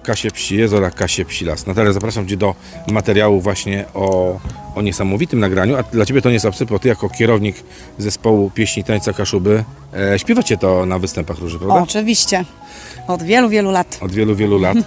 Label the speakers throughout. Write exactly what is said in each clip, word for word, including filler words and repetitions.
Speaker 1: Kasie Psi Jezora, Kasie Psi Las. Natalia, zapraszam Cię do materiału właśnie o, o niesamowitym nagraniu, a dla Ciebie to nie jest obcy, bo Ty jako kierownik zespołu pieśni tańca Kaszuby e, śpiewacie to na występach róży, prawda?
Speaker 2: Oczywiście. Od wielu, wielu lat.
Speaker 1: Od wielu, wielu lat.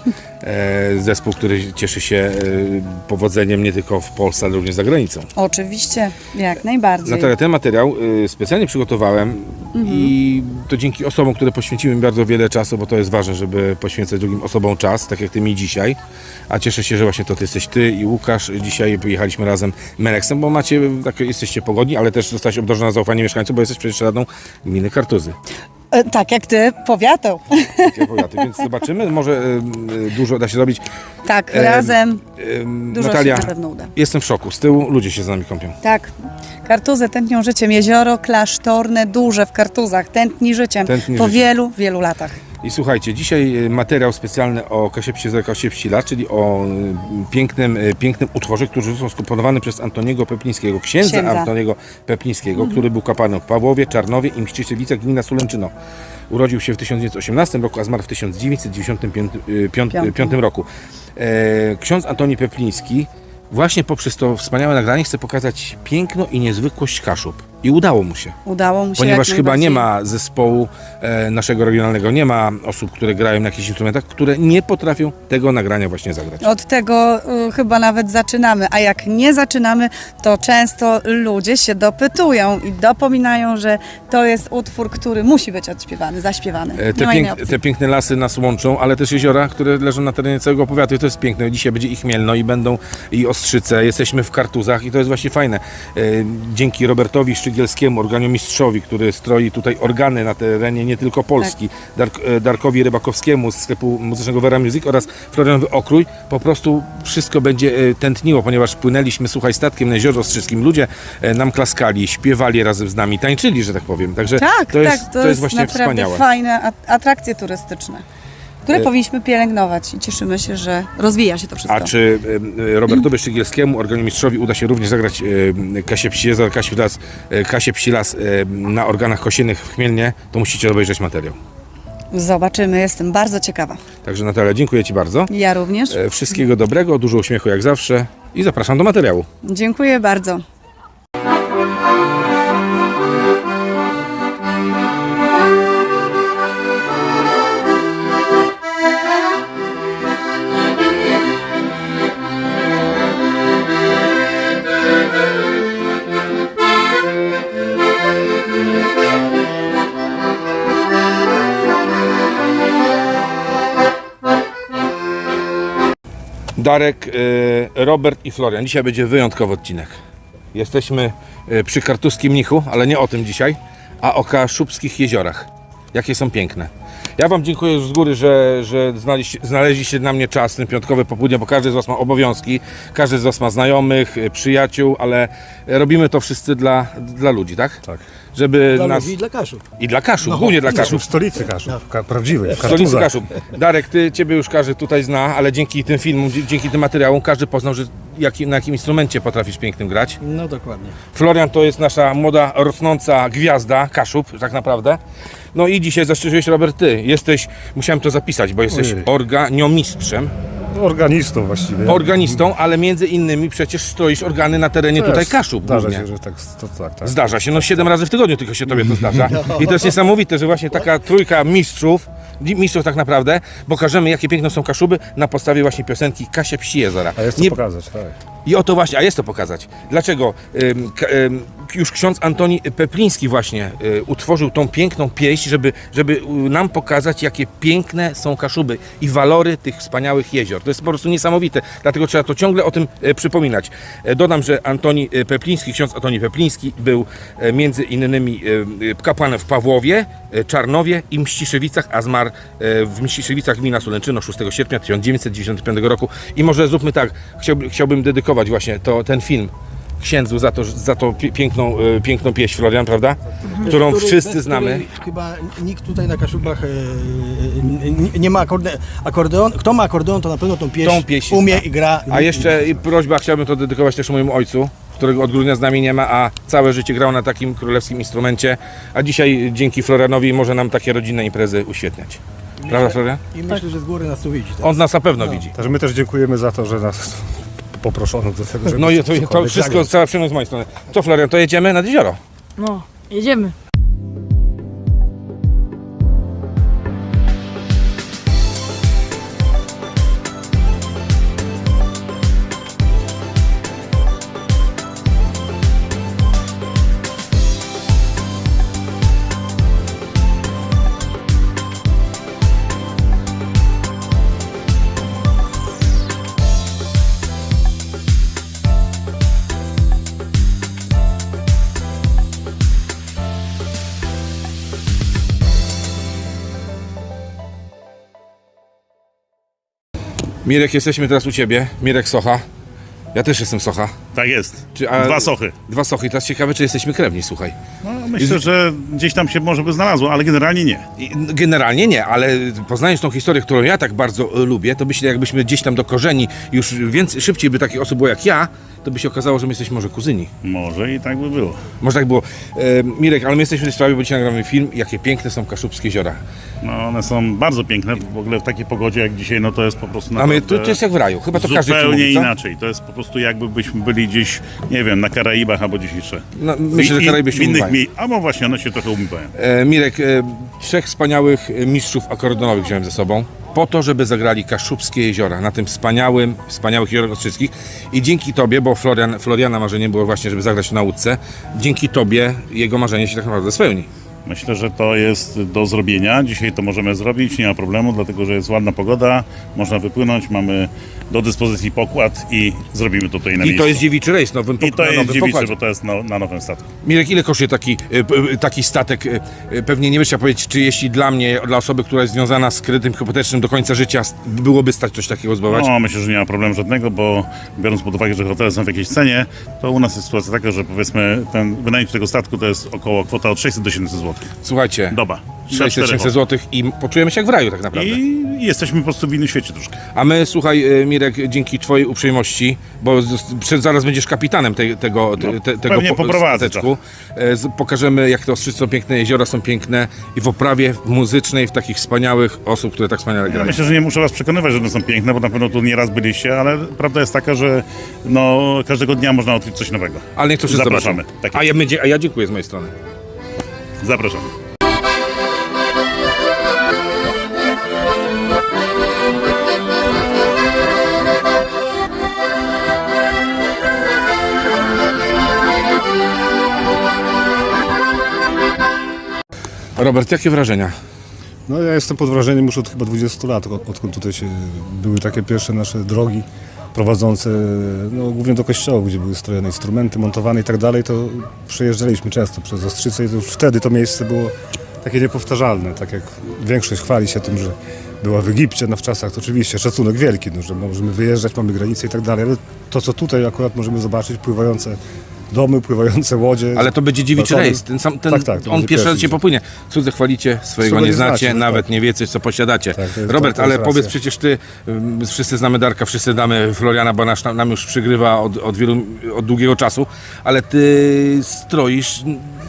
Speaker 1: E, zespół, który cieszy się e, powodzeniem nie tylko w Polsce, ale również za granicą.
Speaker 2: Oczywiście, jak najbardziej.
Speaker 1: Natalia, ten materiał y, specjalnie przygotowałem
Speaker 2: Mhm.
Speaker 1: i to dzięki osobom, które poświęciły mi bardzo wiele czasu, bo to jest ważne, żeby poświęcać drugim osobom czas, tak jak Ty mi dzisiaj. A cieszę się, że właśnie to Ty jesteś Ty i Łukasz. Dzisiaj pojechaliśmy razem Meleksem, bo macie, tak, jesteście pogodni, ale też zostałeś obdarzona zaufaniem mieszkańców, bo jesteś przecież radną gminy Kartuzy.
Speaker 2: E, tak jak ty, powiatą.
Speaker 1: Takie powiaty, więc zobaczymy, może y, dużo da się zrobić.
Speaker 2: Tak,
Speaker 1: Em,
Speaker 2: razem
Speaker 1: Ym,
Speaker 2: dużo
Speaker 1: Natalia,
Speaker 2: się na pewno uda.
Speaker 1: jestem w szoku. Z tyłu ludzie się z nami kąpią.
Speaker 2: Tak. Kartuzy tętnią życiem. Jezioro klasztorne, duże w Kartuzach. Tętni życiem.
Speaker 1: Tętni
Speaker 2: po
Speaker 1: życiem.
Speaker 2: wielu, wielu latach.
Speaker 1: I słuchajcie, dzisiaj materiał specjalny o Kasie Psi Jezora, Kasie Psi Las, czyli o y, pięknym, y, pięknym utworze, który został skomponowany przez Antoniego Peplińskiego, księdza,
Speaker 2: Księdza.
Speaker 1: Antoniego Peplińskiego, który był kapłanem w Pawłowie, Czarnowie i Mściszewicach, gmina Sulęczyno. Urodził się w tysiąc dziewięćset osiemnastym roku, a zmarł w tysiąc dziewięćset dziewięćdziesiątym piątym roku. E, ksiądz Antoni Pepliński właśnie poprzez to wspaniałe nagranie chce pokazać piękno i niezwykłość Kaszub. I udało mu się.
Speaker 2: Udało mu się.
Speaker 1: Ponieważ
Speaker 2: jak
Speaker 1: chyba nie
Speaker 2: najbardziej.
Speaker 1: ma zespołu e, naszego regionalnego, nie ma osób, które grają na jakichś instrumentach, które nie potrafią tego nagrania właśnie zagrać.
Speaker 2: Od tego y, chyba nawet zaczynamy, a jak nie zaczynamy, to często ludzie się dopytują i dopominają, że to jest utwór, który musi być odśpiewany, zaśpiewany.
Speaker 1: E,
Speaker 2: Nie
Speaker 1: Te,
Speaker 2: ma innej
Speaker 1: pięk,
Speaker 2: opcji.
Speaker 1: te piękne lasy nas łączą, ale też jeziora, które leżą na terenie całego powiatu i to jest piękne. Dzisiaj będzie ich Chmielno i będą i Ostrzyce. Jesteśmy w Kartuzach i to jest właśnie fajne. E, Dzięki Robertowi Szczygielskiemu, organiomistrzowi, który stroi tutaj organy na terenie nie tylko Polski, Dark, e, Darkowi Rybakowskiemu z sklepu muzycznego Vera Music oraz Florianowi Okrój, po prostu wszystko będzie e, tętniło, ponieważ płynęliśmy, słuchaj, statkiem na Jeziorze Ostrzyskim. Ludzie e, nam klaskali, śpiewali razem z nami, tańczyli, że tak powiem. Także
Speaker 2: Tak,
Speaker 1: to jest,
Speaker 2: tak,
Speaker 1: to jest właśnie
Speaker 2: naprawdę
Speaker 1: wspaniałe.
Speaker 2: fajne at- atrakcje turystyczne, które
Speaker 1: E-
Speaker 2: powinniśmy pielęgnować i cieszymy się, że rozwija się to wszystko.
Speaker 1: A czy e, Robertowi Szczygielskiemu, organiomistrzowi, uda się również zagrać e, Kasię Psi Jezora, Kasię Las, e, Kasię Psi Las e, na organach kosiennych w Chmielnie, to musicie obejrzeć materiał.
Speaker 2: Zobaczymy, jestem bardzo ciekawa.
Speaker 1: Także Natalia, dziękuję Ci bardzo.
Speaker 2: Ja również.
Speaker 1: E, Wszystkiego dobrego, dużo uśmiechu jak zawsze i zapraszam do materiału.
Speaker 2: Dziękuję bardzo.
Speaker 1: Darek, e, Robert i Florian. Dzisiaj będzie wyjątkowy odcinek. Jesteśmy e, przy Kartuskim Mnichu, ale nie o tym dzisiaj, a o Kaszubskich jeziorach. Jakie są piękne. Ja Wam dziękuję już z góry, że, że znaleźliście, znaleźliście na mnie czas, ten piątkowy popołudnie, bo każdy z Was ma obowiązki, każdy z Was ma znajomych, e, przyjaciół, ale robimy to wszyscy dla, dla ludzi, tak?
Speaker 3: Tak.
Speaker 1: Żeby
Speaker 3: Dla
Speaker 1: nas...
Speaker 3: ludzi i dla Kaszub.
Speaker 1: I dla Kaszub, głównie dla
Speaker 3: W
Speaker 1: Kaszub.
Speaker 3: stolicy Kaszub, ka- prawdziwej, w
Speaker 1: W stolicy
Speaker 3: Kartuzach.
Speaker 1: Kaszub. Darek, ty, Ciebie już każdy tutaj zna, ale dzięki tym filmom, dzie- dzięki tym materiałom każdy poznał, że jaki, na jakim instrumencie potrafisz pięknym grać.
Speaker 3: No dokładnie.
Speaker 1: Florian to jest nasza młoda, rosnąca gwiazda Kaszub, tak naprawdę. No i dzisiaj zaszczyciłeś, Robert, ty. Jesteś, musiałem to zapisać, bo jesteś
Speaker 3: Ojej.
Speaker 1: organiomistrzem,
Speaker 3: Organistą właściwie.
Speaker 1: organistą, ale między innymi przecież stroisz organy na terenie
Speaker 3: Też
Speaker 1: tutaj Kaszub
Speaker 3: Zdarza
Speaker 1: głównie.
Speaker 3: się, że tak, to, tak, tak.
Speaker 1: Zdarza się, no siedem razy w tygodniu tylko się tobie to zdarza. I to jest niesamowite, że właśnie taka trójka mistrzów, mistrzów tak naprawdę, pokażemy jakie piękne są Kaszuby na podstawie właśnie piosenki Kasia Psi Jezora.
Speaker 3: A jest to
Speaker 1: Nie-
Speaker 3: pokazać, tak.
Speaker 1: I o to właśnie, a jest to pokazać. Dlaczego? Ym, k- ym, już ksiądz Antoni Pepliński właśnie y, utworzył tą piękną pieśń, żeby, żeby y, nam pokazać, jakie piękne są Kaszuby i walory tych wspaniałych jezior. To jest po prostu niesamowite, dlatego trzeba to ciągle o tym y, przypominać. E, dodam, że Antoni y, Pepliński, ksiądz Antoni Pepliński był e, między innymi y, y, kapłanem w Pawłowie, y, Czarnowie i Mściszewicach, a zmarł y, w Mściszewicach gmina Sulęczyno szóstego sierpnia tysiąc dziewięćset dziewięćdziesiątego piątego roku. I może zróbmy tak, chciałbym, chciałbym dedykować właśnie to, ten film księdzu za to, za to pie- piękną, e, piękną pieśń, Florian, prawda? Którą
Speaker 3: Który-
Speaker 1: wszyscy
Speaker 3: bez
Speaker 1: znamy.
Speaker 3: której Chyba nikt tutaj na Kaszubach e, nie, nie ma akorde, akordeon. Kto ma akordeon, to na pewno tą pieśń,
Speaker 1: Tą pieśń
Speaker 3: umie
Speaker 1: zna.
Speaker 3: i gra.
Speaker 1: A jeszcze i prośba, chciałbym to dedykować też mojemu ojcu, którego od grudnia z nami nie ma, a całe życie grał na takim królewskim instrumencie, a dzisiaj dzięki Florianowi może nam takie rodzinne imprezy uświetniać. Prawda, Florian?
Speaker 3: I myślę, że z góry nas tu widzi. Tak?
Speaker 1: On nas na pewno
Speaker 3: No.
Speaker 1: widzi.
Speaker 4: Także my też dziękujemy za to, że nas poproszono do tego, żeby
Speaker 1: No i to, to
Speaker 4: cokolwiek
Speaker 1: wszystko,
Speaker 4: zagrać.
Speaker 1: cała przyjemność z mojej strony. Co, Florian, to jedziemy nad jezioro?
Speaker 5: No, jedziemy.
Speaker 1: Mirek, jesteśmy teraz u Ciebie. Mirek Socha. Ja też jestem Socha.
Speaker 6: Tak jest.
Speaker 1: Czy, a-
Speaker 6: Dwa sochy.
Speaker 1: Dwa Sochy. Teraz ciekawe, czy jesteśmy krewni, słuchaj.
Speaker 6: No, myślę, że gdzieś tam się może by znalazło, ale generalnie nie.
Speaker 1: I generalnie nie, ale poznając tą historię, którą ja tak bardzo e, lubię, to myślę, jakbyśmy gdzieś tam do korzeni już więcej, szybciej by takich osób było jak ja, to by się okazało, że my jesteśmy może kuzyni.
Speaker 6: Może i tak by było.
Speaker 1: Może tak było. E, Mirek, ale my jesteśmy w tej sprawie, bo dzisiaj nagramy film, jakie piękne są Kaszubskie jeziora.
Speaker 6: No, one są bardzo piękne. W ogóle w takiej pogodzie jak dzisiaj, no to jest po prostu
Speaker 1: A my,
Speaker 6: naprawdę
Speaker 1: to, to jest jak w raju. Chyba to każdy ci
Speaker 6: zupełnie
Speaker 1: mówi, co?
Speaker 6: inaczej. To jest po prostu jakby byśmy byli gdzieś, nie wiem, na Karaibach albo gdzieś jeszcze.
Speaker 1: No, myślę, że
Speaker 6: I-
Speaker 1: Karaiby
Speaker 6: w
Speaker 1: się
Speaker 6: innych
Speaker 1: umywają.
Speaker 6: miejscach. A no właśnie, one się trochę umywają.
Speaker 1: E, Mirek, e, trzech wspaniałych e, mistrzów akordeonowych wziąłem ze sobą po to, żeby zagrali Kaszubskie jeziora na tym wspaniałym, wspaniałych jeziorach Ostrzejskich i dzięki Tobie, bo Florian, Floriana marzeniem było właśnie, żeby zagrać w nauce, dzięki Tobie jego marzenie się tak naprawdę spełni.
Speaker 6: Myślę, że to jest do zrobienia. Dzisiaj to możemy zrobić, nie ma problemu, dlatego że jest ładna pogoda, można wypłynąć, mamy do dyspozycji pokład i zrobimy to tutaj na
Speaker 1: I
Speaker 6: miejscu.
Speaker 1: to jest dziewiczy rejs nowym,
Speaker 6: I to
Speaker 1: na
Speaker 6: jest
Speaker 1: nowym
Speaker 6: dziewiczy,
Speaker 1: pokładzie.
Speaker 6: bo to jest na, na nowym statku.
Speaker 1: Mirek, ile kosztuje taki, e, p- taki statek? E, e, Pewnie nie będziesz chciał powiedzieć, czy jeśli dla mnie, dla osoby, która jest związana z kredytem hipotecznym do końca życia, s- byłoby stać coś takiego zbudować?
Speaker 6: No, myślę, że nie ma problemu żadnego, bo biorąc pod uwagę, że hotele są w jakiejś cenie, to u nas jest sytuacja taka, że powiedzmy ten wynajem tego statku to jest około kwota od sześćset do siedemset złotych.
Speaker 1: Słuchajcie,
Speaker 6: Doba.
Speaker 1: sześćset tysięcy złotych i poczujemy się jak w raju tak naprawdę.
Speaker 6: I jesteśmy po prostu w innym świecie troszkę.
Speaker 1: A my, słuchaj, e, Mirek, dzięki Twojej uprzejmości, bo z- przed, zaraz będziesz kapitanem tej, tego, te,
Speaker 6: No,
Speaker 1: te, tego
Speaker 6: pewnie
Speaker 1: po-
Speaker 6: poprowadzę
Speaker 1: stateczku. E, z- Pokażemy, jak te Ostrzyce są piękne, jeziora są piękne i w oprawie muzycznej, w takich wspaniałych osób, które tak wspaniale
Speaker 6: Ja
Speaker 1: grają.
Speaker 6: myślę, że nie muszę was przekonywać, że one są piękne, bo na pewno tu nieraz byliście, ale prawda jest taka, że no, każdego dnia można odkryć coś nowego.
Speaker 1: Ale niech to wszyscy
Speaker 6: Zapraszamy.
Speaker 1: zobaczą.
Speaker 6: Tak
Speaker 1: a,
Speaker 6: jest.
Speaker 1: ja, będzie- a ja dziękuję z mojej strony.
Speaker 6: Zapraszamy.
Speaker 1: Robert, jakie wrażenia?
Speaker 4: No ja jestem pod wrażeniem już od chyba dwudziestu lat, od, odkąd tutaj się były takie pierwsze nasze drogi prowadzące no, głównie do kościołów, gdzie były strojone instrumenty, montowane i tak dalej, to przejeżdżaliśmy często przez Ostrzyce i to już wtedy to miejsce było takie niepowtarzalne, tak jak większość chwali się tym, że była w Egipcie, no w czasach to oczywiście szacunek wielki, no, że możemy wyjeżdżać, mamy granice i tak dalej, ale to co tutaj akurat możemy zobaczyć, pływające domy, pływające łodzie.
Speaker 1: Ale to będzie dziewiczy
Speaker 4: balkony.
Speaker 1: rejs. Ten sam, ten,
Speaker 4: Tak, tak, to
Speaker 1: on
Speaker 4: będzie
Speaker 1: pierwszy raz
Speaker 4: pierwszy.
Speaker 1: cię popłynie. Cudze chwalicie, swojego
Speaker 4: Cudo
Speaker 1: nie
Speaker 4: nie
Speaker 1: znacie,
Speaker 4: znacie, tak,
Speaker 1: nawet
Speaker 4: tak.
Speaker 1: nie wiecie, co posiadacie.
Speaker 4: Tak, to jest-
Speaker 1: Robert,
Speaker 4: to jest
Speaker 1: ale powiedz
Speaker 4: racja.
Speaker 1: przecież ty, ym, wszyscy znamy Darka, wszyscy znamy Floriana, bo nasz, nam już przygrywa od, od wielu, od długiego czasu, ale ty stroisz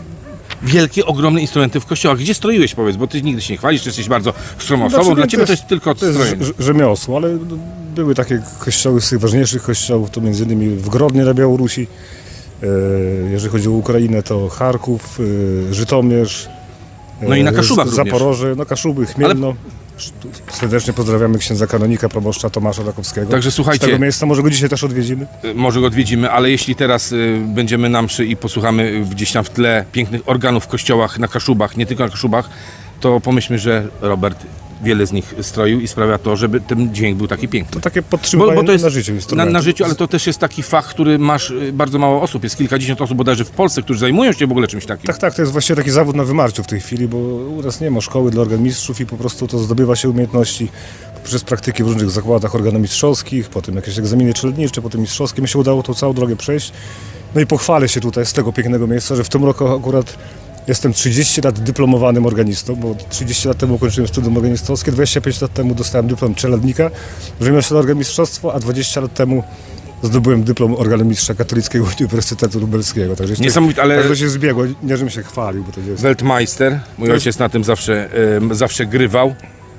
Speaker 1: wielkie, ogromne instrumenty w kościołach. Gdzie stroiłeś, powiedz, bo ty nigdy się nie chwalisz, ty jesteś bardzo skromną osobą,
Speaker 4: Znaczy,
Speaker 1: dla ciebie to jest tylko
Speaker 4: to jest
Speaker 1: strojenie.
Speaker 4: rz- rzemiosło, ale no, były takie kościoły z tych ważniejszych kościołów, to między innymi w Grodnie na Białorusi. E, jeżeli chodzi o Ukrainę, to Charków, e, Żytomierz. e,
Speaker 1: No i na Kaszubach
Speaker 4: Z-
Speaker 1: również.
Speaker 4: Zaporoże, no Kaszuby, Chmielno. Serdecznie pozdrawiamy księdza kanonika, proboszcza Tomasza Rakowskiego.
Speaker 1: Także słuchajcie-
Speaker 4: Z tego miejsca może go dzisiaj też odwiedzimy.
Speaker 1: Y, Może go odwiedzimy, ale jeśli teraz y, będziemy na mszy i posłuchamy gdzieś tam w tle pięknych organów w kościołach, na Kaszubach, nie tylko na Kaszubach, to pomyślmy, że Robert wiele z nich stroił i sprawia to, żeby ten dźwięk był taki piękny.
Speaker 4: To takie
Speaker 1: Bo,
Speaker 4: podtrzymywanie
Speaker 1: bo to jest
Speaker 4: na życiu
Speaker 1: na,
Speaker 4: instrumentu.
Speaker 1: na życiu, ale to też jest taki fach, który masz y, bardzo mało osób. Jest kilkadziesiąt osób bodajże w Polsce, którzy zajmują się w ogóle czymś takim.
Speaker 4: Tak, tak, to jest właściwie taki zawód na wymarciu w tej chwili, bo u nas nie ma szkoły dla organmistrzów i po prostu to zdobywa się umiejętności przez praktyki w różnych zakładach organomistrzowskich, potem jakieś egzaminy trzyletnicze, potem mistrzowskie. Mi się udało tą całą drogę przejść. No i pochwalę się tutaj z tego pięknego miejsca, że w tym roku akurat jestem trzydzieści lat dyplomowanym organistą, bo trzydzieści lat temu ukończyłem studium organistowskie, dwadzieścia pięć lat temu dostałem dyplom czeladnika w rzemiośle organmistrzostwo, a dwadzieścia lat temu zdobyłem dyplom organomistrza Katolickiego Uniwersytetu Lubelskiego. Także jeszcze-
Speaker 1: Niesamowite, ale-
Speaker 4: także to się zbiegło, nie żebym się chwalił, bo to jest...
Speaker 1: Weltmeister, mój
Speaker 4: To jest-
Speaker 1: ojciec na tym zawsze, y, zawsze grywał.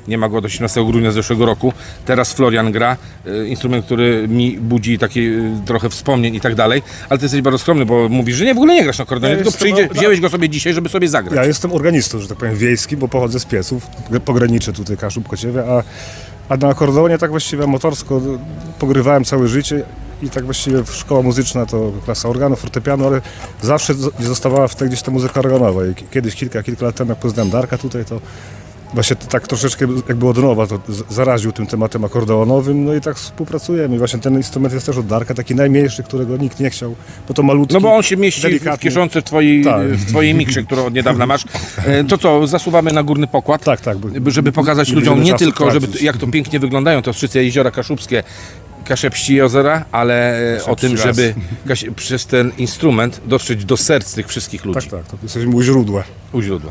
Speaker 1: Nie ma go od osiemnastego grudnia zeszłego roku. Teraz Florian gra, y, instrument, który mi budzi takie y, trochę wspomnień i tak dalej. Ale ty jesteś bardzo skromny, bo mówisz, że nie, w ogóle nie grasz na akordeonie,
Speaker 4: Ja
Speaker 1: tylko
Speaker 4: jestem-
Speaker 1: przyjdzie, wziąłeś go sobie dzisiaj, żeby sobie zagrać.
Speaker 4: Ja jestem organistą, że tak powiem, wiejski, bo pochodzę z Pieców, pograniczę tutaj Kaszub, Kociewie, a, a na akordeonie tak właściwie motorsko pogrywałem całe życie i tak właściwie szkoła muzyczna to klasa organu, fortepianu, ale zawsze zo- zostawała w tej gdzieś ta muzyka organowa i kiedyś, kilka, kilka lat temu, jak poznałem Darka tutaj, to właśnie to tak troszeczkę jakby od nowa to z- zaraził tym tematem akordeonowym, no i tak współpracujemy. I właśnie ten instrument jest też od Darka, taki najmniejszy, którego nikt nie chciał, bo to malutki,
Speaker 1: No bo on się mieści w
Speaker 4: delikatny.
Speaker 1: kieszonce twojej,
Speaker 4: Tak.
Speaker 1: w twojej mikrze, którą od niedawna masz. E, To co, zasuwamy na górny pokład?
Speaker 4: Tak, tak. bo-
Speaker 1: żeby pokazać
Speaker 4: nie
Speaker 1: ludziom
Speaker 4: będziemy
Speaker 1: nie
Speaker 4: czasu
Speaker 1: tylko, żeby,
Speaker 4: tracić.
Speaker 1: jak to pięknie wyglądają te Ostrzyce, jeziora kaszubskie, Kaszepści jeziora, ale e, o tym,
Speaker 4: raz.
Speaker 1: żeby Kasie- przez ten instrument dotrzeć do serc tych wszystkich ludzi
Speaker 4: Tak, tak, to jesteśmy u źródła.
Speaker 1: u źródła.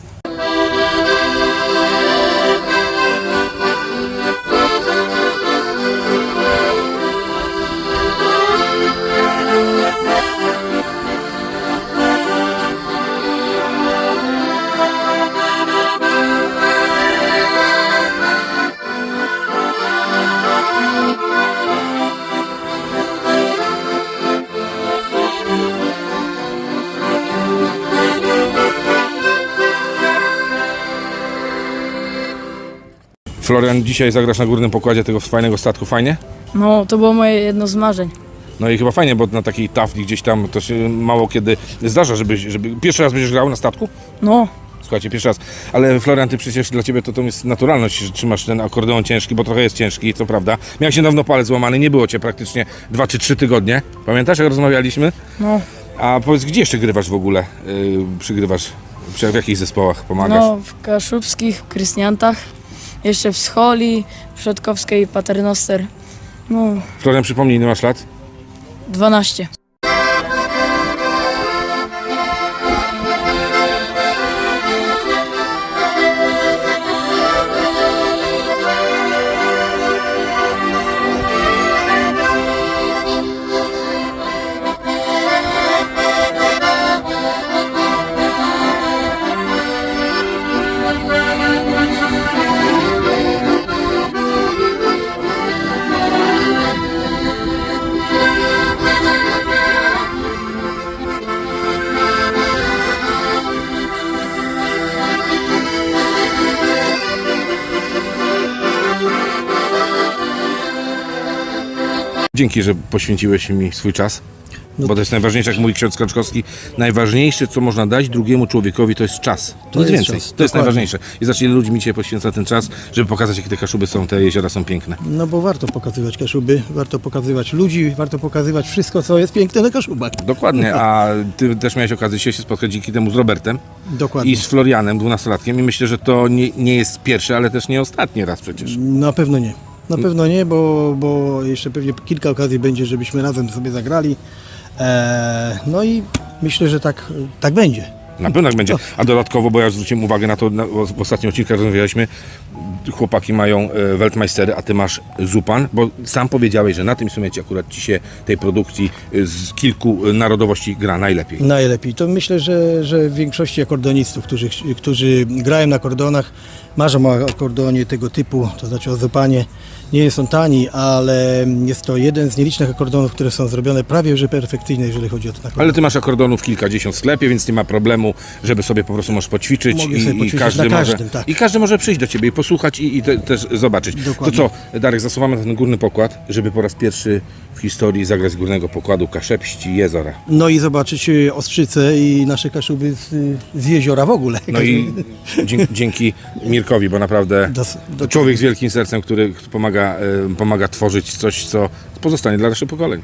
Speaker 1: Florian, dzisiaj zagrasz na górnym pokładzie tego fajnego statku, fajnie?
Speaker 5: No, to było moje jedno z marzeń.
Speaker 1: No i chyba fajnie, bo na takiej tafli gdzieś tam to się mało kiedy zdarza, żeby, żeby... Pierwszy raz będziesz grał na statku?
Speaker 5: No,
Speaker 1: Słuchajcie, pierwszy raz. Ale Florian, ty przecież dla ciebie to, to jest naturalność, że trzymasz ten akordeon ciężki, bo trochę jest ciężki, co prawda. Miałeś niedawno palec złamany, nie było cię praktycznie dwa czy trzy tygodnie. Pamiętasz, jak rozmawialiśmy?
Speaker 5: no,
Speaker 1: A powiedz, gdzie jeszcze grywasz w ogóle? Yy, przygrywasz? Przy, w jakich zespołach pomagasz?
Speaker 5: no, w Kaszubskich, w Krysniantach, jeszcze w Scholi, w Przodkowskiej, Paternoster. No,
Speaker 1: Florian, przypomnij, ile masz lat?
Speaker 5: dwanaście.
Speaker 1: Dzięki, że poświęciłeś mi swój czas.
Speaker 3: No
Speaker 1: Bo to jest najważniejsze, jak mówi ksiądz Kaczkowski, najważniejsze, co można dać drugiemu człowiekowi, to jest czas.
Speaker 3: To
Speaker 1: Nic
Speaker 3: jest
Speaker 1: więcej.
Speaker 3: czas,
Speaker 1: To jest
Speaker 3: dokładnie.
Speaker 1: najważniejsze. I zacznij ile ludzi mi dzisiaj poświęca ten czas, żeby pokazać, jakie te Kaszuby są, te jeziora są piękne.
Speaker 3: No bo warto pokazywać Kaszuby, warto pokazywać ludzi, warto pokazywać wszystko, co jest piękne na Kaszubach.
Speaker 1: Dokładnie, a ty też miałeś okazję dzisiaj się spotkać dzięki temu z Robertem
Speaker 3: Dokładnie.
Speaker 1: i z Florianem, dwunastolatkiem, i myślę, że to nie, nie jest pierwszy, ale też nie ostatni raz przecież.
Speaker 3: Na pewno nie. Na pewno nie, bo, bo jeszcze pewnie kilka okazji będzie, żebyśmy razem sobie zagrali. Eee, no i myślę, że tak, tak będzie.
Speaker 1: Na pewno tak będzie. A dodatkowo, bo ja zwróciłem uwagę na to, na, w ostatnim odcinku rozmawialiśmy, chłopaki mają e, Weltmeistery, a ty masz Zupan, bo sam powiedziałeś, że na tym instrumencie akurat ci się tej produkcji e, z kilku e, narodowości gra najlepiej.
Speaker 3: Najlepiej. To myślę, że, że w większości akordonistów, którzy, którzy grają na akordonach, marzą o akordeonie tego typu, to znaczy o zupanie. Nie jest on tani, ale jest to jeden z nielicznych akordonów, które są zrobione prawie że perfekcyjnie, jeżeli chodzi o ten akordon.
Speaker 1: Ale ty masz akordonów kilkadziesiąt w sklepie, więc nie ma problemu, żeby sobie po prostu możesz poćwiczyć,
Speaker 3: Mogę
Speaker 1: i,
Speaker 3: sobie
Speaker 1: i,
Speaker 3: poćwiczyć
Speaker 1: każdy
Speaker 3: na
Speaker 1: może,
Speaker 3: każdym, tak.
Speaker 1: i każdy może przyjść do ciebie i posłuchać i, i te, też zobaczyć.
Speaker 3: Dokładnie.
Speaker 1: To co, Darek, zasuwamy na ten górny pokład, żeby po raz pierwszy w historii zagrać z górnego pokładu Kaszepści jeziora.
Speaker 3: No i zobaczyć y, Ostrzyce i nasze Kaszuby z, z jeziora w ogóle.
Speaker 1: No i dzie- dzięki Mirkowi, bo naprawdę
Speaker 3: Dos- do-
Speaker 1: człowiek z wielkim sercem, który pomaga, e, pomaga tworzyć coś, co pozostanie dla naszych pokoleń.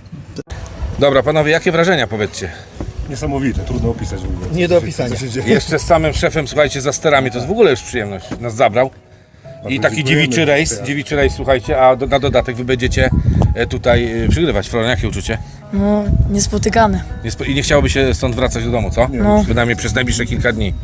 Speaker 1: Dobra, panowie, jakie wrażenia, powiedzcie?
Speaker 4: Niesamowite, trudno opisać w ogóle.
Speaker 3: Nie do opisania.
Speaker 4: Co się dzieje.
Speaker 1: Jeszcze z samym szefem, słuchajcie, za sterami, to jest w ogóle już przyjemność, nas zabrał. I taki
Speaker 4: dziękujemy.
Speaker 1: dziewiczy rejs, dziewiczy rejs, słuchajcie, a do, na dodatek wy będziecie e, tutaj e, przygrywać. Florian, jakie uczucie?
Speaker 5: No, niespotykane.
Speaker 1: Nie spo- I nie chciałoby się stąd wracać do domu, co?
Speaker 5: No.
Speaker 1: Przynajmniej przez najbliższe kilka dni.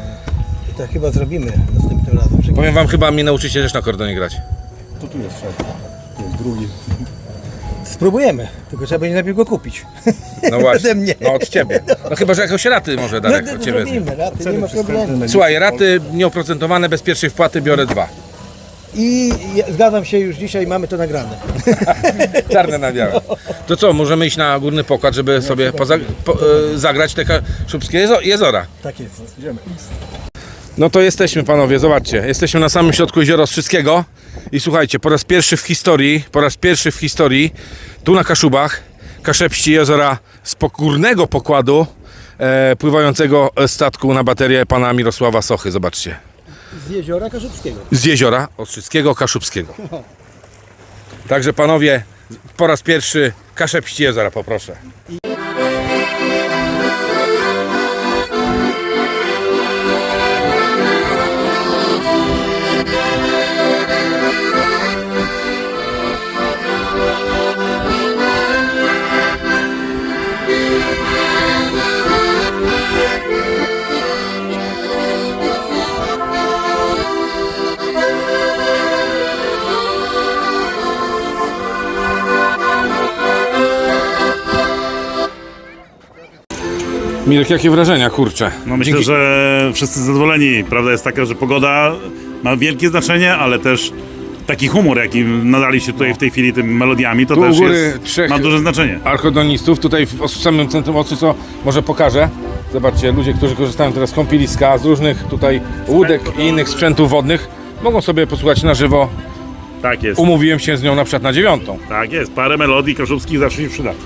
Speaker 3: Tak chyba zrobimy następnym razem.
Speaker 1: Powiem wam, chyba mnie nauczycie też na akordeonie grać.
Speaker 4: To tu jest szef, tu jest drugi.
Speaker 3: Spróbujemy, tylko trzeba będzie najpierw go kupić.
Speaker 1: No właśnie,
Speaker 3: Ode mnie.
Speaker 1: no od ciebie. No chyba, że jakoś raty może Darek
Speaker 3: No,
Speaker 1: od
Speaker 3: to
Speaker 1: ciebie wezmie.
Speaker 3: zrobimy, raty, nie ma problemu.
Speaker 1: Słuchaj, raty nieoprocentowane, bez pierwszej wpłaty biorę dwa.
Speaker 3: I ja, zgadzam się, już dzisiaj mamy to nagrane.
Speaker 1: Czarne na białe. To co, możemy iść na górny pokład, żeby sobie poza, po, e, zagrać te kaszubskie jezo- jezora.
Speaker 3: Tak jest, idziemy.
Speaker 1: No to jesteśmy, panowie, zobaczcie. Jesteśmy na samym środku jeziora Ostrzyckiego i słuchajcie, po raz pierwszy w historii, po raz pierwszy w historii, tu na Kaszubach, Kaszepści jeziora z górnego pokładu e, pływającego statku na baterię pana Mirosława Sochy, zobaczcie.
Speaker 3: Z jeziora Kaszubskiego.
Speaker 1: Z jeziora Ostrzyckiego, Kaszubskiego. Także panowie, po raz pierwszy Kaszepści jeziora, poproszę. Mirek, jakie wrażenia, kurczę?
Speaker 6: No myślę,
Speaker 1: Dzięki-
Speaker 6: że wszyscy zadowoleni. Prawda jest taka, że pogoda ma wielkie znaczenie, ale też taki humor, jaki nadaliście tutaj w tej chwili tym melodiami, to
Speaker 1: Tu u
Speaker 6: też
Speaker 1: góry
Speaker 6: jest,
Speaker 1: trzech-
Speaker 6: ma duże znaczenie.
Speaker 1: Archodonistów, tutaj w os- samym centrum Ostrzy, co może pokażę. Zobaczcie, ludzie, którzy korzystają teraz z kąpieliska, z różnych tutaj łódek i innych sprzętów wodnych, mogą sobie posłuchać na żywo.
Speaker 6: Tak jest.
Speaker 1: Umówiłem się z nią na przykład na dziewiątą.
Speaker 6: Tak jest. Parę melodii kaszubskich zawsze się przyda.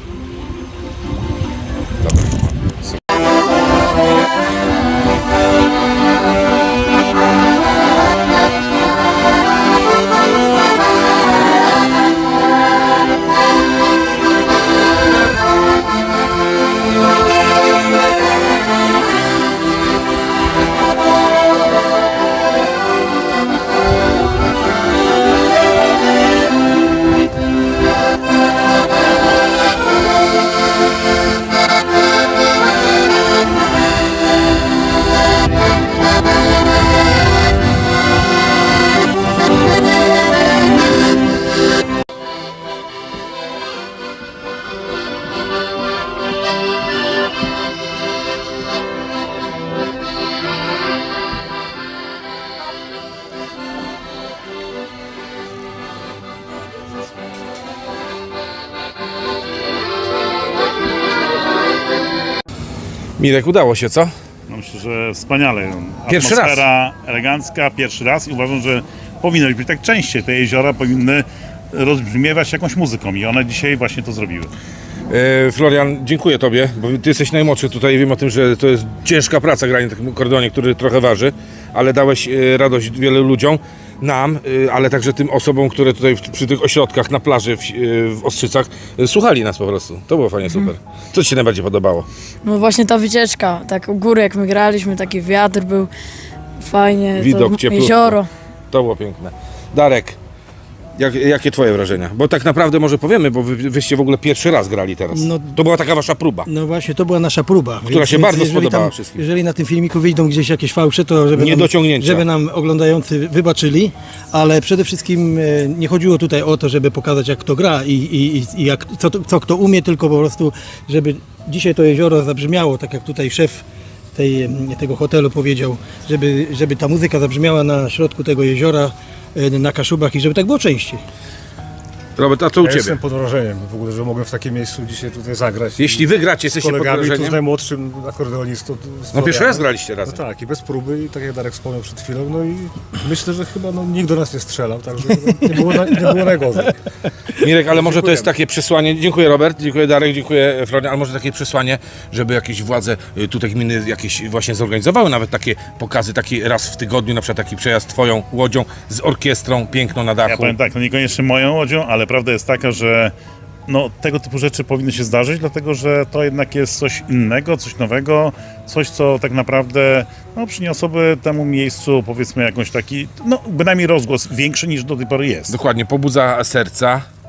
Speaker 1: Mirek, udało się, co?
Speaker 6: No myślę, że wspaniale.
Speaker 1: Pierwszy
Speaker 6: Atmosfera elegancka, pierwszy raz i uważam, że powinno być tak częściej. Te jeziora powinny rozbrzmiewać jakąś muzyką i one dzisiaj właśnie to zrobiły.
Speaker 1: E, Florian, dziękuję tobie, bo ty jesteś najmłodszy tutaj, wiem o tym, że to jest ciężka praca granie na takim kordonie, który trochę waży, ale dałeś e, radość wielu ludziom, nam, e, ale także tym osobom, które tutaj w, przy tych ośrodkach na plaży w, e, w Ostrzycach e, słuchali nas po prostu. To było fajnie, super. Co ci się najbardziej podobało?
Speaker 5: No właśnie ta wycieczka, tak u góry jak my graliśmy, taki wiatr był, fajnie,
Speaker 1: Widok
Speaker 5: to
Speaker 1: cieplutko.
Speaker 5: jezioro.
Speaker 1: To było piękne. Darek, jak, jakie twoje wrażenia? Bo tak naprawdę może powiemy, bo wy, wyście w ogóle pierwszy raz grali teraz.
Speaker 3: No-
Speaker 1: To była taka wasza próba.
Speaker 3: No właśnie, to była nasza próba.
Speaker 1: Która się bardzo
Speaker 3: jeżeli
Speaker 1: spodobała
Speaker 3: tam,
Speaker 1: wszystkim.
Speaker 3: Jeżeli na tym filmiku wyjdą gdzieś jakieś fałsze, to żeby, nam,
Speaker 1: Niedociągnięcia.
Speaker 3: żeby nam oglądający wybaczyli, ale przede wszystkim e, nie chodziło tutaj o to, żeby pokazać jak kto gra i, i, i jak, co, co kto umie, tylko po prostu, żeby dzisiaj to jezioro zabrzmiało, tak jak tutaj szef tej, tego hotelu powiedział, żeby, żeby ta muzyka zabrzmiała na środku tego jeziora, e, na Kaszubach i żeby tak było częściej.
Speaker 1: Robert, a co u
Speaker 4: Ja
Speaker 1: ciebie?
Speaker 4: jestem pod wrażeniem w ogóle, że mogłem w takim miejscu dzisiaj tutaj zagrać.
Speaker 1: Jeśli wygracie,
Speaker 4: z
Speaker 1: jesteście pod
Speaker 4: kolegami, tu z
Speaker 1: wrażeniem.
Speaker 4: najmłodszym akordeonistą. z
Speaker 1: No pierwszy
Speaker 4: Florianem.
Speaker 1: raz graliście
Speaker 4: No
Speaker 1: razem.
Speaker 4: tak, i bez próby, i tak jak Darek wspomniał przed chwilą, no i myślę, że chyba no, nikt do nas nie strzelał, także nie było, na, nie było najgorzej.
Speaker 1: Mirek, ale może to jest
Speaker 4: Dziękujemy.
Speaker 1: takie przesłanie, dziękuję Robert, dziękuję Darek, dziękuję Florian, ale może takie przesłanie, żeby jakieś władze y, tutaj gminy jakieś właśnie zorganizowały nawet takie pokazy, taki raz w tygodniu, na przykład taki przejazd twoją łodzią z orkiestrą piękną na
Speaker 6: Ja
Speaker 1: dachu.
Speaker 6: powiem tak, no niekoniecznie moją łodzią, ale prawda jest taka, że no, tego typu rzeczy powinny się zdarzyć, dlatego że to jednak jest coś innego, coś nowego, coś, co tak naprawdę no, przyniosłoby temu miejscu, powiedzmy, jakąś taki, no bynajmniej rozgłos większy niż do tej pory jest.
Speaker 1: Dokładnie, pobudza serca,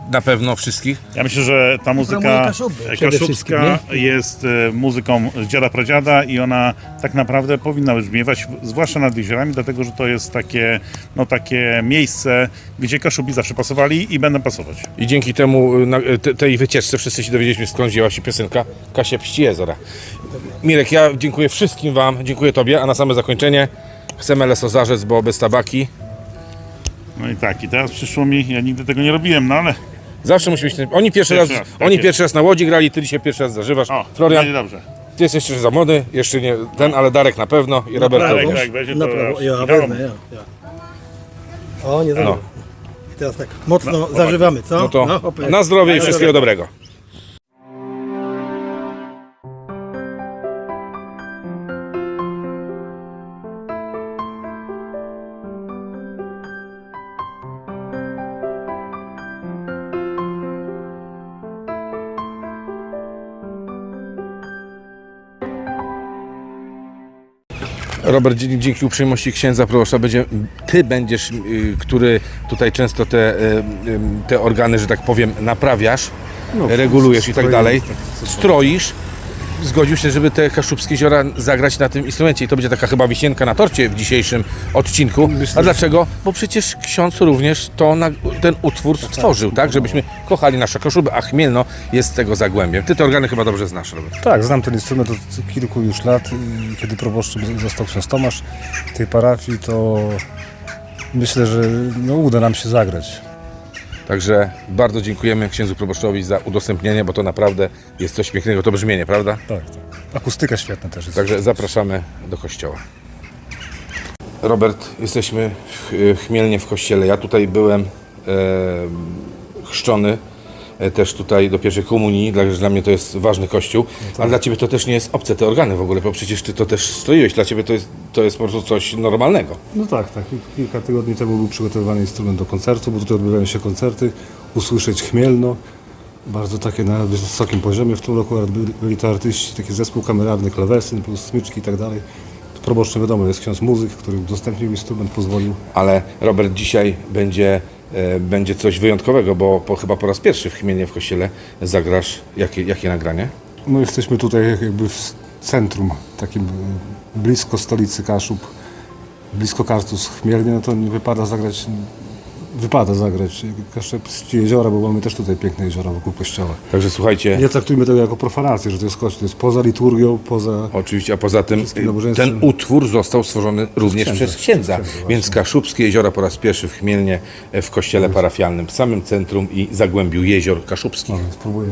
Speaker 1: na pewno wszystkich.
Speaker 6: Ja myślę, że ta
Speaker 3: promuje
Speaker 6: muzyka
Speaker 3: Kaszuby przede wszystkim,
Speaker 6: kaszubska jest e, muzyką z dziada pradziada i ona tak naprawdę powinna brzmiewać, zwłaszcza nad jeziorami, dlatego że to jest takie, no, takie miejsce, gdzie Kaszubi zawsze pasowali i będą pasować.
Speaker 1: I dzięki temu, na, te, tej wycieczce wszyscy się dowiedzieliśmy, skąd wzięła się piosenka Kasia Pści Jeziora. Mirek, ja dziękuję wszystkim wam, dziękuję tobie, a na same zakończenie chcemy lesozarzec, bo bez tabaki.
Speaker 6: No i tak, i teraz przyszło mi, ja nigdy tego nie robiłem, no ale
Speaker 1: Zawsze musi być ten... Oni pierwszy,
Speaker 6: Pierwszy
Speaker 1: raz,
Speaker 6: raz, tak
Speaker 1: oni
Speaker 6: jest.
Speaker 1: pierwszy raz na Łodzi grali, ty dzisiaj pierwszy raz zażywasz.
Speaker 6: o,
Speaker 1: Florian,
Speaker 6: będzie dobrze.
Speaker 1: ty jesteś jeszcze za młody, jeszcze nie ten, ale Darek na pewno i Robert
Speaker 6: Darek,
Speaker 1: również.
Speaker 6: Darek weźmie,
Speaker 3: Na
Speaker 6: to
Speaker 3: prawo, ja
Speaker 6: wiadomo.
Speaker 3: wezmę, ja, ja. O, nie zażywam.
Speaker 1: No.
Speaker 3: I teraz tak, mocno
Speaker 6: No,
Speaker 3: zażywamy, co?
Speaker 1: No to
Speaker 3: hopy.
Speaker 1: na zdrowie i
Speaker 3: Na
Speaker 1: wszystkiego dobrego. Robert, dzie- dzięki uprzejmości księdza proboszcza będzie, ty będziesz, y, który tutaj często te, y, y, te organy, że tak powiem, naprawiasz,
Speaker 4: No,
Speaker 1: regulujesz i tak
Speaker 4: stroimy,
Speaker 1: dalej,
Speaker 4: tak, co-
Speaker 1: stroisz, zgodził się, żeby te Kaszubskie Jeziora zagrać na tym instrumencie i to będzie taka chyba wisienka na torcie w dzisiejszym odcinku.
Speaker 4: Myślę,
Speaker 1: A dlaczego? Bo przecież ksiądz również to na, ten utwór stworzył, tak? Żebyśmy kochali nasze Kaszuby, a Chmielno jest tego zagłębiem. Ty te organy chyba dobrze znasz, Robert.
Speaker 4: Tak, znam ten instrument od kilku już lat. I Kiedy proboszczem został ksiądz Tomasz tej parafii, to myślę, że no, uda nam się zagrać.
Speaker 1: Także bardzo dziękujemy księdzu proboszczowi za udostępnienie, bo to naprawdę jest coś pięknego, to brzmienie, prawda?
Speaker 4: Tak, tak. Akustyka świetna też jest.
Speaker 1: Także zapraszamy do kościoła. Robert, jesteśmy w w Chmielnie w kościele. Ja tutaj byłem e, chrzczony e, też tutaj do pierwszej komunii, dla, dla mnie to jest ważny kościół, ale dla Ciebie to też nie jest obce te organy w ogóle, bo przecież Ty to też stroiłeś, dla Ciebie to jest, to jest po prostu coś normalnego.
Speaker 4: No tak, tak. Kilka tygodni temu był przygotowywany instrument do koncertu, bo tutaj odbywają się koncerty. Usłyszeć Chmielno, bardzo takie na wysokim poziomie. W tym roku byli- byli to artyści, taki zespół kameralny, klawesyn plus smyczki i tak dalej. Proboszczem wiadomo jest ksiądz muzyk, który udostępnił instrument, pozwolił.
Speaker 1: Ale Robert, dzisiaj będzie, e, będzie coś wyjątkowego, bo po, chyba po raz pierwszy w Chmielnie w kościele zagrasz jakie, jakie nagranie?
Speaker 4: No jesteśmy tutaj jakby w centrum, takim e, blisko stolicy Kaszub, blisko Kartus Chmielnie, no to nie wypada zagrać, wypada zagrać Kaszubskie Jeziora, bo mamy też tutaj piękne jeziora wokół kościoła.
Speaker 1: Także słuchajcie,
Speaker 4: Nie traktujmy tego jako profanację, że to jest kościół, to jest poza liturgią, poza...
Speaker 1: oczywiście, a poza tym
Speaker 4: Wszystkim
Speaker 1: y,
Speaker 4: nabożeństwem.
Speaker 1: ten utwór został stworzony również
Speaker 4: księdza.
Speaker 1: przez księdza,
Speaker 4: Przez księdza,
Speaker 1: więc Kaszubskie Jeziora po raz pierwszy w Chmielnie e, w kościele parafialnym, w samym centrum i zagłębiu jezior kaszubskich.
Speaker 4: No, spróbujemy.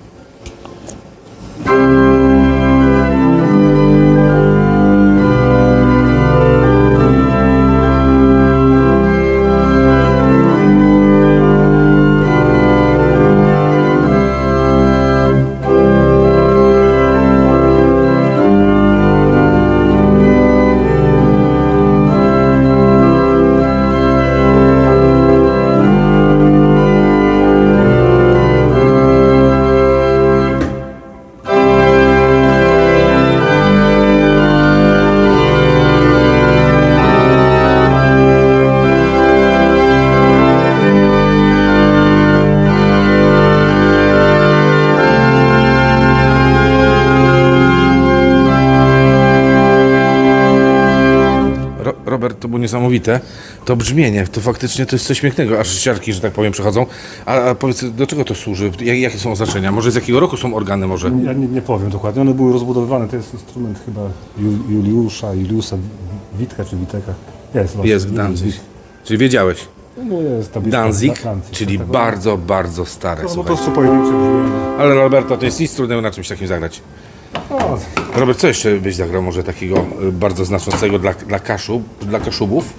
Speaker 1: Ro- Robert, to było niesamowite. To brzmienie, to faktycznie to jest coś pięknego, aż siarki, że tak powiem, przechodzą. A, a powiedz, do czego to służy? Jak, jakie są oznaczenia? Może z jakiego roku są organy może?
Speaker 4: Ja nie, nie powiem dokładnie, one były rozbudowywane, to jest instrument chyba Ju- Juliusza, Juliusa Witka czy Witeka. Jest, właśnie,
Speaker 1: Jest Danzig. Czyli wiedziałeś.
Speaker 4: No jest tablica
Speaker 1: Danzig,
Speaker 4: Danzig,
Speaker 1: czyli
Speaker 4: tak, tak.
Speaker 1: bardzo, bardzo stare,
Speaker 4: No, no po
Speaker 1: słuchaj.
Speaker 4: prostu pojedyncze brzmienie.
Speaker 1: Ale Roberto, to jest nic trudnego na czymś takim zagrać.
Speaker 4: O,
Speaker 1: Robert, co jeszcze byś zagrał może takiego y, bardzo znaczącego dla, dla Kaszub, dla Kaszubów?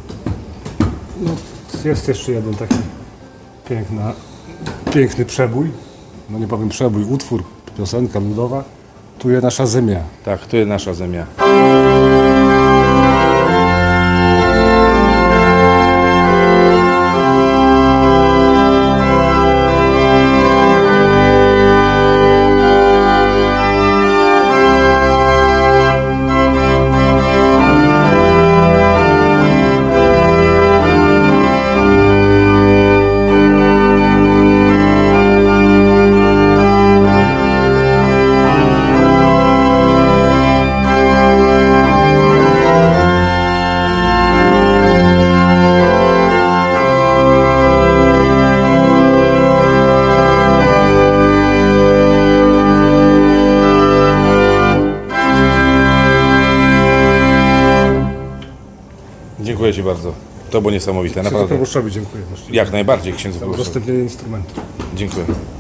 Speaker 4: jest jeszcze jeden taki piękna, piękny przebój, no nie powiem przebój, utwór, piosenka ludowa. Tu jest nasza ziemia.
Speaker 1: Tak, to jest nasza ziemia. Dziękuję Ci bardzo. To było niesamowite,
Speaker 4: Księdzu
Speaker 1: naprawdę.
Speaker 4: proboszczowi dziękuję.
Speaker 1: Jak najbardziej księdzu
Speaker 4: Za
Speaker 1: proboszczowi.
Speaker 4: udostępnienie instrumentu.
Speaker 1: Dziękuję.